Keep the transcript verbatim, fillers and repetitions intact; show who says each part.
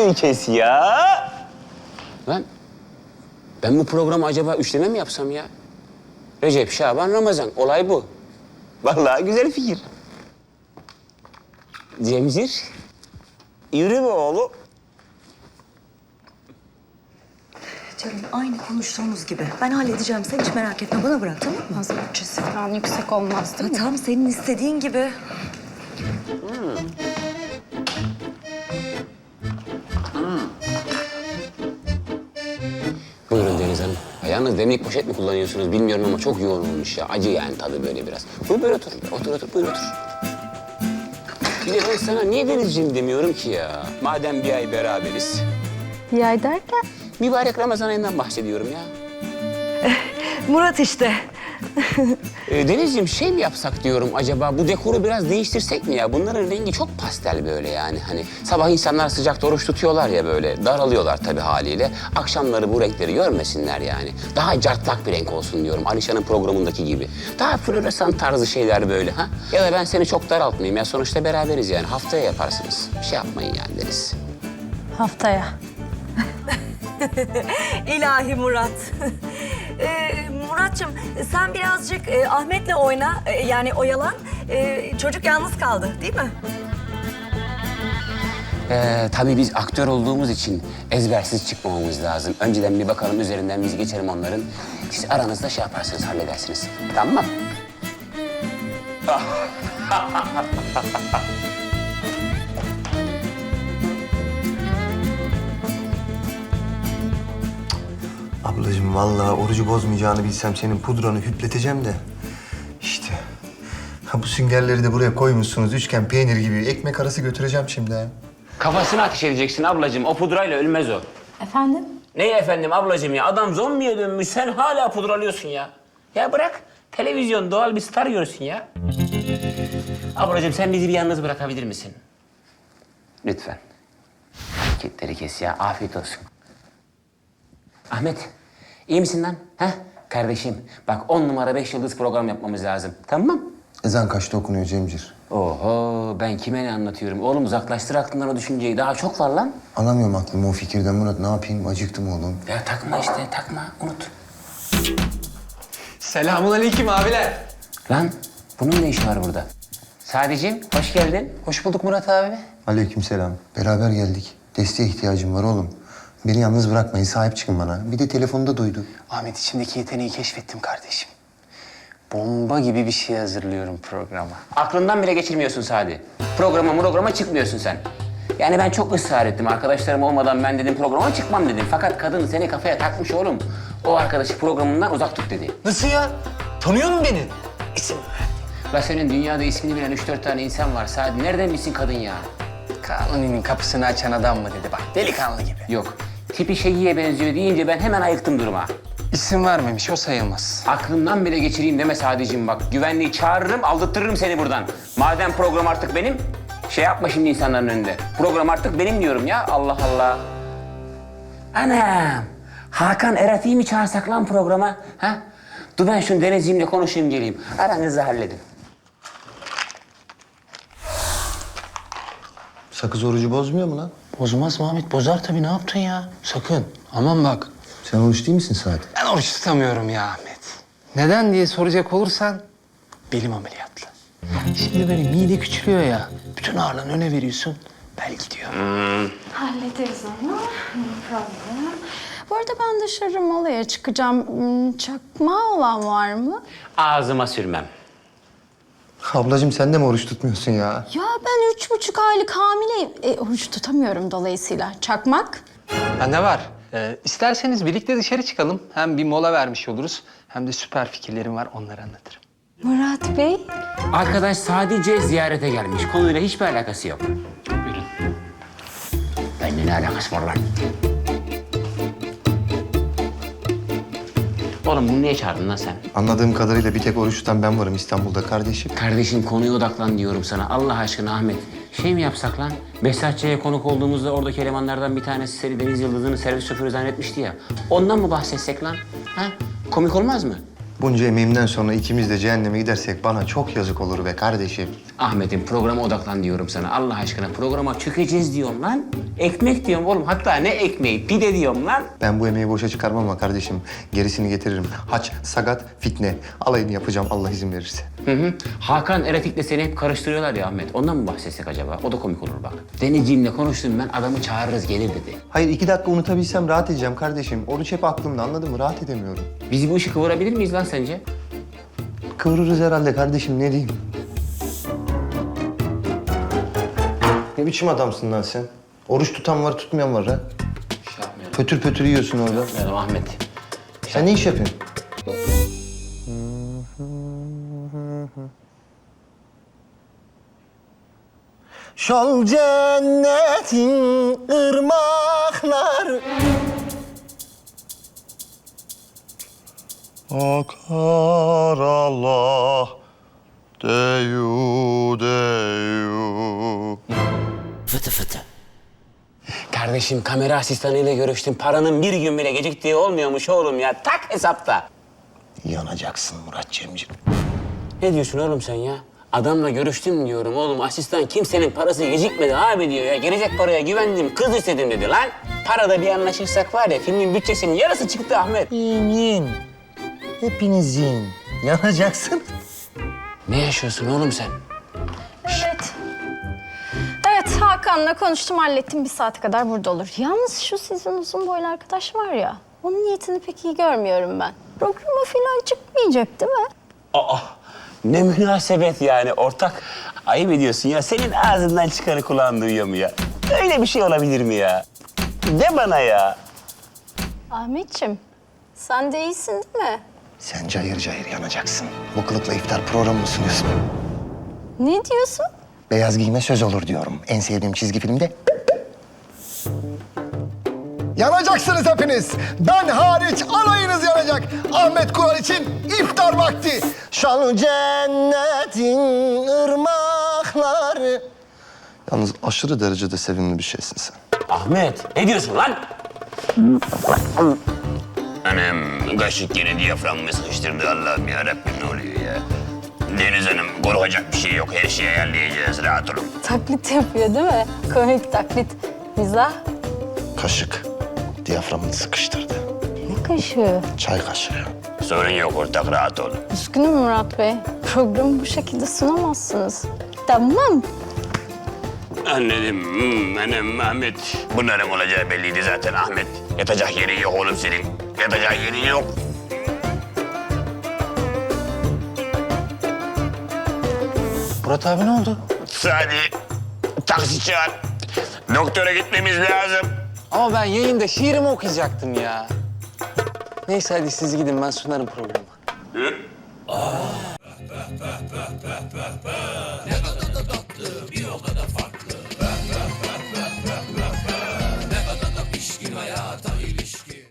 Speaker 1: şunu kes ya. Lan ben bu programı acaba üçleme mi yapsam ya? Recep, Şaban, Ramazan. Olay bu. Vallahi güzel fikir. Cemcir, yürü be oğlum.
Speaker 2: Canım aynı konuştuğumuz gibi. Ben halledeceğim. Sen hiç merak etme. Bana bırak, tamam mı?
Speaker 3: Az bütçesi falan yüksek olmaz değil
Speaker 2: Ha,
Speaker 3: mi?
Speaker 2: tam senin istediğin gibi.
Speaker 1: Buyurun Deniz Hanım. Yalnız demlik poşet mi kullanıyorsunuz bilmiyorum ama çok yoğun olmuş ya. Acı yani tadı böyle biraz. Buyur böyle otur. Otur otur buyur otur. Bir de ben sana niye Denizciğim demiyorum ki ya? Madem bir ay beraberiz.
Speaker 3: Bir ay derken?
Speaker 1: Mübarek Ramazan ayından bahsediyorum ya.
Speaker 2: Murat işte.
Speaker 1: Ee, Denizciğim şey mi yapsak diyorum acaba bu dekoru biraz değiştirsek mi ya? Bunların rengi çok pastel böyle yani. Hani sabah insanlar sıcakta oruç tutuyorlar ya böyle. Daralıyorlar tabii haliyle. Akşamları bu renkleri görmesinler yani. Daha cartlak bir renk olsun diyorum. Alişan'ın programındaki gibi. Daha floresan tarzı şeyler böyle ha. Ya da ben seni çok daraltmayayım ya. Sonuçta beraberiz yani. Haftaya yaparsınız. Bir şey yapmayın yani Deniz.
Speaker 3: Haftaya.
Speaker 2: İlahi Murat. ee, Murat'cığım sen birazcık e, Ahmet'le oyna. e, yani oyalan. E, çocuk yalnız kaldı değil mi?
Speaker 1: Ee, tabii biz aktör olduğumuz için ezbersiz çıkmamamız lazım. Önceden bir bakalım üzerinden biz geçelim onların. Siz aranızda şey yaparsınız, halledersiniz. Tamam mı?
Speaker 4: Ablacığım vallahi orucu bozmayacağını bilsem senin pudranı hüpleteceğim de. İşte. Ha bu süngerleri de buraya koymuşsunuz üçgen peynir gibi. Ekmek arası götüreceğim şimdi ha.
Speaker 1: Kafasına ateş edeceksin ablacığım. O pudrayla ölmez o.
Speaker 3: Efendim?
Speaker 1: Ne efendim ablacığım ya? Adam zombiye dönmüş. Sen hala pudralıyorsun ya. Ya bırak. Televizyon doğal bir star görsün ya. Ablacığım sen bizi bir yalnız bırakabilir misin? Lütfen. Hareketleri kes ya. Afiyet olsun. Ahmet, iyi misin lan? Ha? Kardeşim, bak on numara beş yıldız program yapmamız lazım. Tamam mı?
Speaker 4: Ezan kaçta okunuyor Cemcir?
Speaker 1: Oho, ben kime ne anlatıyorum? Oğlum uzaklaştır aklından o düşünceyi. Daha çok var lan.
Speaker 4: Alamıyorum aklımı o fikirden Murat. Ne yapayım? Acıktım oğlum.
Speaker 1: Ya takma işte, takma. Unut.
Speaker 5: Selamünaleyküm abiler.
Speaker 1: Lan, bunun ne işi var burada? Sadeciğim, hoş geldin.
Speaker 5: Hoş bulduk Murat abi.
Speaker 4: Aleykümselam. Beraber geldik. Desteğe ihtiyacım var oğlum. Beni yalnız bırakmayın. Sahip çıkın bana. Bir de telefonda duydu.
Speaker 5: Ahmet içimdeki yeteneği keşfettim kardeşim. Bomba gibi bir şey hazırlıyorum programa.
Speaker 1: Aklından bile geçirmiyorsun Sadi. Programa programa çıkmıyorsun sen. Yani ben çok ısrar ettim. Arkadaşlarım olmadan ben dedim programa çıkmam dedim. Fakat kadın seni kafaya takmış oğlum. O arkadaşı programından uzak tut dedi.
Speaker 5: Nasıl ya? Tanıyor musun beni? İsim ver.
Speaker 1: La senin dünyada ismini bilen üç dört tane insan var Sadi. Nereden bilsin kadın ya?
Speaker 5: Kanuni'nin kapısını açan adam mı dedi bak. Delikanlı gibi.
Speaker 1: Yok. Tipi Şegi'ye benziyor deyince ben hemen ayıktım duruma.
Speaker 5: İsim vermemiş o sayılmaz.
Speaker 1: Aklımdan bile geçireyim deme Sadiciğim bak. Güvenliği çağırırım, aldırtırırım seni buradan. Madem program artık benim, şey yapma şimdi insanların önünde. Program artık benim diyorum ya. Allah Allah. Anam. Hakan Eratik'i mi çağırsak lan programa? Ha? Dur ben şunu Denizciğimle konuşayım geleyim. Aranızı halledin.
Speaker 4: Sakız orucu bozmuyor mu lan?
Speaker 5: Bozmaz mı Ahmet? Bozar tabii. Ne yaptın ya? Sakın. Aman bak.
Speaker 4: Sen oruç değil misin Sadi?
Speaker 5: Ben oruç tutamıyorum ya Ahmet. Neden diye soracak olursan belim ameliyatlı. Şimdi böyle mide küçülüyor ya. Bütün ağırlığını öne veriyorsun. Bel gidiyor.
Speaker 3: Hallederiz onu. No problem. Bu arada ben dışarı molaya çıkacağım. Hmm, Çakma olan var mı?
Speaker 1: Ağzıma sürmem.
Speaker 4: Ablacığım sen de mi oruç tutmuyorsun ya?
Speaker 3: Ya ben üç buçuk aylık hamileyim. E, oruç tutamıyorum dolayısıyla. Çakmak?
Speaker 5: Bende var. Ee, isterseniz birlikte dışarı çıkalım. Hem bir mola vermiş oluruz. Hem de süper fikirlerim var. Onları anlatırım.
Speaker 3: Murat Bey.
Speaker 1: Arkadaş sadece ziyarete gelmiş. Konuyla hiçbir alakası yok. Buyurun. Benimle ne alakası var lan? Oğlum bunu niye çağırdın lan sen?
Speaker 4: Anladığım kadarıyla bir tek oruç tutan ben varım İstanbul'da kardeşim.
Speaker 1: Kardeşim konuya odaklan diyorum sana. Allah aşkına Ahmet. Şey mi yapsak lan? Behzatçı'ya konuk olduğumuzda oradaki elemanlardan bir tanesi seni Deniz Yıldız'ın servis şoförü zannetmişti ya. Ondan mı bahsetsek lan? Ha? Komik olmaz mı?
Speaker 4: Bunca emeğimden sonra ikimiz de cehenneme gidersek bana çok yazık olur be kardeşim.
Speaker 1: Ahmet'im programa odaklan diyorum sana. Allah aşkına programa çökeceğiz diyorum lan. Ekmek diyorum oğlum. Hatta ne ekmeği? Pide diyorum lan.
Speaker 4: Ben bu emeği boşa çıkarmam ama kardeşim. Gerisini getiririm. Haç, sagat, fitne. Alayını yapacağım Allah izin verirse.
Speaker 1: Hı hı. Hakan Eretik'le seni hep karıştırıyorlar ya Ahmet. Ondan mı bahsetsek acaba? O da komik olur bak. Denizciğimle konuştum ben. Adamı çağırırız gelir dedi.
Speaker 4: Hayır iki dakika unutabilsem rahat edeceğim kardeşim. Oruç hep aklımda anladın mı? Rahat edemiyorum.
Speaker 1: Biz bu işi kıvırabilir miyiz lan sence?
Speaker 4: Kıvırırız herhalde kardeşim ne diyeyim. Ne biçim adamsın lan sen? Oruç tutan var tutmayan var ha.
Speaker 1: Şey yapmayalım.
Speaker 4: Pötür pötür yiyorsun orada.
Speaker 1: Merhaba Ahmet.
Speaker 4: Sen ne iş yapıyorsun? Şol cennetin ırmaklar akar Allah deyu deyu.
Speaker 1: Kardeşim kamera asistanıyla görüştüm. Paranın bir gün bile geciktiği olmuyormuş oğlum ya. Tak hesapta.
Speaker 4: Yanacaksın Murat Cemcim.
Speaker 1: Ne diyorsun oğlum sen ya? Adamla görüştüm diyorum oğlum. Asistan kimsenin parası gecikmedi abi diyor ya. Gelecek paraya güvendim, kız istedim dedi lan. Parada bir anlaşırsak var ya filmin bütçesinin yarısı çıktı Ahmet.
Speaker 4: Yiyin yiyin. Hepiniz yiyin. Yanacaksın.
Speaker 1: Ne yaşıyorsun oğlum sen?
Speaker 3: Evet. Evet Hakan'la konuştum hallettim bir saate kadar burada olur. Yalnız şu sizin uzun boylu arkadaş var ya. Onun niyetini pek iyi görmüyorum ben. Programa falan çıkmayacak değil mi?
Speaker 1: Aa, ne münasebet yani ortak. Ayıp ediyorsun ya. Senin ağzından çıkanı kulağın duyuyor mu ya? Öyle bir şey olabilir mi ya? De bana ya.
Speaker 3: Ahmetciğim sen de iyisin değil mi?
Speaker 4: Sen cayır cayır yanacaksın. Bu kılıkla iftar programı mı sunuyorsun?
Speaker 3: Ne diyorsun?
Speaker 4: Beyaz giyme söz olur diyorum. En sevdiğim çizgi filmde. Yanacaksınız hepiniz. Ben hariç alayınız yanacak. Ahmet Kural için iftar vakti. Şanlı cennetin ırmakları. Yalnız aşırı derecede sevimli bir şeysin sen.
Speaker 1: Ahmet, ne diyorsun lan? Anam, kaşık yine diyaframımı sıkıştırdı Allah'ım yarabbim ne oluyor ya? Deniz Hanım, korkacak bir şey yok. Her şeyi ayarlayacağız, rahat olun.
Speaker 3: Taklit yapıyor değil mi? Komik taklit. Mizah.
Speaker 4: Kaşık diyaframını sıkıştırdı.
Speaker 3: Ne kaşığı?
Speaker 4: Çay kaşığı.
Speaker 1: Sorun yok ortak, rahat olun.
Speaker 3: Üzgünüm Murat Bey. Programı bu şekilde sunamazsınız. Tamam.
Speaker 1: Anladım. Hmm, anam Ahmet. Bunların olacağı belliydi zaten Ahmet. Yatacak yerin yok oğlum senin. Yatacak yerin yok.
Speaker 5: Murat abi ne oldu?
Speaker 1: Sadi, taksi çağır. Doktora gitmemiz lazım.
Speaker 5: Ama ben yayında şiirimi okuyacaktım ya. Neyse hadi siz gidin ben sunarım programı.